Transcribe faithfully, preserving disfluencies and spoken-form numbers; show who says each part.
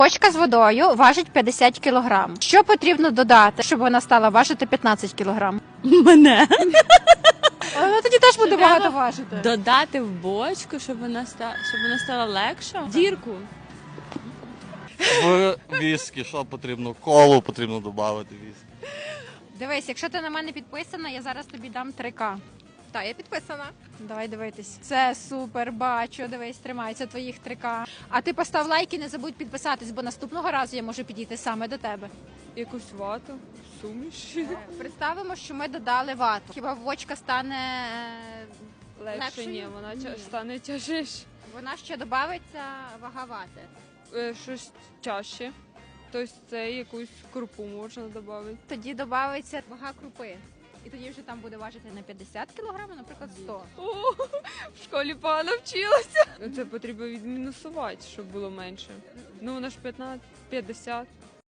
Speaker 1: Бочка з водою важить п'ятдесят кілограм. Що потрібно додати, щоб вона стала важити п'ятнадцять кілограм?
Speaker 2: Мене.
Speaker 1: Вона тоді теж буде багато важити.
Speaker 2: Додати в бочку, щоб вона стала, щоб вона стала легша. Дірку.
Speaker 3: В віскі, що потрібно? Колу потрібно додати віскі.
Speaker 1: Дивись, якщо ти на мене підписана, я зараз тобі дам три ка.
Speaker 4: Так, я підписана.
Speaker 1: Давай дивитись. Це супер, бачу, дивись, тримається твоїх три ка. А ти постав лайк і не забудь підписатись, бо наступного разу я можу підійти саме до тебе.
Speaker 2: Якусь вату, суміш.
Speaker 1: Представимо, що ми додали вату. Хіба бочка стане е,
Speaker 2: Легше
Speaker 1: легшою?
Speaker 2: ні, вона
Speaker 1: Ні.
Speaker 2: тя- стане тяжиш.
Speaker 1: Вона ще додається вага вати.
Speaker 2: Е, Щось чаще. Тобто це якусь крупу можна додати.
Speaker 1: Тоді додається вага крупи. І тоді вже там буде важити не п'ятдесят кілограм, а, наприклад, сто.
Speaker 2: О, в школі погано вчилася. Це потрібно відмінусувати, щоб було менше. Ну, вона ж п'ятнадцять, п'ятдесят.